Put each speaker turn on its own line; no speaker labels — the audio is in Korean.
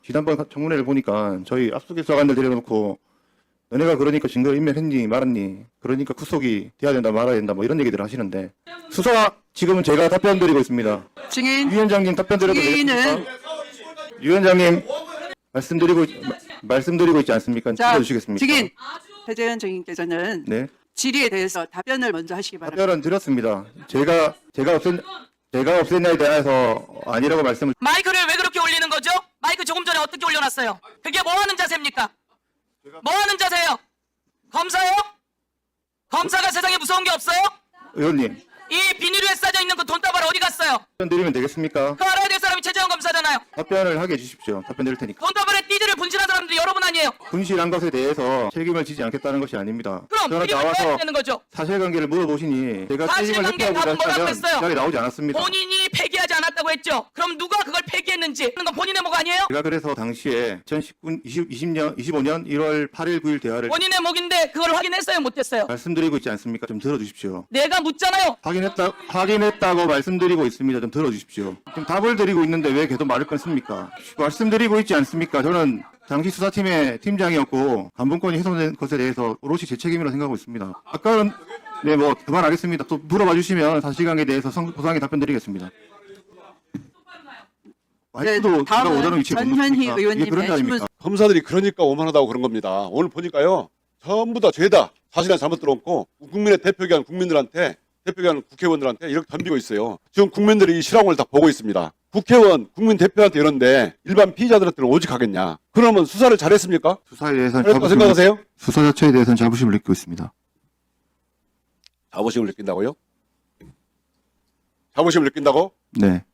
지난번 청문회를 보니까 저희 압수수색관들 데려놓고 너네가 그러니까 증거 인멸했니 말았니 그러니까 구속이 돼야 된다 말아야 된다 뭐 이런 얘기들을 하시는데 수사 지금은 제가 답변 드리고 있습니다.
증인
유 위원장님 답변 드려도
증인은
되겠습니까? 유 위원장님 말씀드리고 있지 않습니까?
자,
들어주시겠습니까?
증인 배재현 증인께서는
네,
질의에 대해서 답변을 먼저 하시기 바랍니다.
답변은 드렸습니다. 제가 없앴냐에 대해서 아니라고 말씀을
마이크를 왜 그렇게 올리는 거죠? 마이크 조금 전에 어떻게 올려놨어요? 그게 뭐 하는 자세입니까? 뭐 하는 자세예요? 검사요? 검사가 세상에 무서운 게 없어요?
의원님
이 비닐에 싸져 있는 그 돈다발 어디 갔어요?
답변 드리면 되겠습니까?
그 알아야 될 사람이 최재형 검사잖아요.
답변을 하게 해주십시오. 답변 드릴 테니까.
돈다발에 띠지를 분실한 사람들이 여러분 아니에요?
분실한 것에 대해서 책임을 지지 않겠다는 것이 아닙니다.
그럼
저는
책임을 져야
나와서
되는 거죠.
사실관계를 물어보시니 제가 책임을
사실관계
회피하고자
답은 뭐라고
했다면
했어요?
자리에 나오지 않았습니다.
본인이 폐기하지 않았다고 했죠. 그럼 누가 그걸 폐기했는지 하는 건 본인의 목 아니에요?
제가 그래서 당시에 2025년 1월 8일 9일 대화를
본인의 목인데 그걸 확인했어요? 못했어요?
말씀드리고 있지 않습니까? 좀 들어주십시오.
내가 묻잖아요.
확인했다고 말씀드리고 있습니다. 좀 들어주십시오. 지금 답을 드리고 있는데 왜 계속 말을 끊습니까? 말씀드리고 있지 않습니까? 저는 당시 수사팀의 팀장이었고 감봉권이 훼손된 것에 대해서 오롯이 제 책임이라고 생각하고 있습니다. 아까는 네 뭐 그만하겠습니다. 또 물어봐 주시면 사실관계에 대해서 소상히 답변드리겠습니다. 마이크도 제가
다음은
오자는 위치에 못
전현희
놓습니까? 이게
의원님의
그런 자리입니까?
신문-
검사들이 그러니까 오만하다고 그런 겁니다. 오늘 보니까요. 전부 다 죄다. 사실은 잘못 들어놓고 국민의 대표기관 국민들한테 대표기관 국회의원들한테 이렇게 덤비고 있어요. 지금 국민들이 이 실황을 다 보고 있습니다. 국회의원, 국민 대표한테 이러는데 일반 피의자들한테는 오직하겠냐. 그러면 수사를 잘했습니까?
수사에 대해서는
잘했다고 생각하세요?
수사 자체에 대해서는 자부심을 느끼고 있습니다.
자부심을 느낀다고요? 자부심을 느낀다고?
네.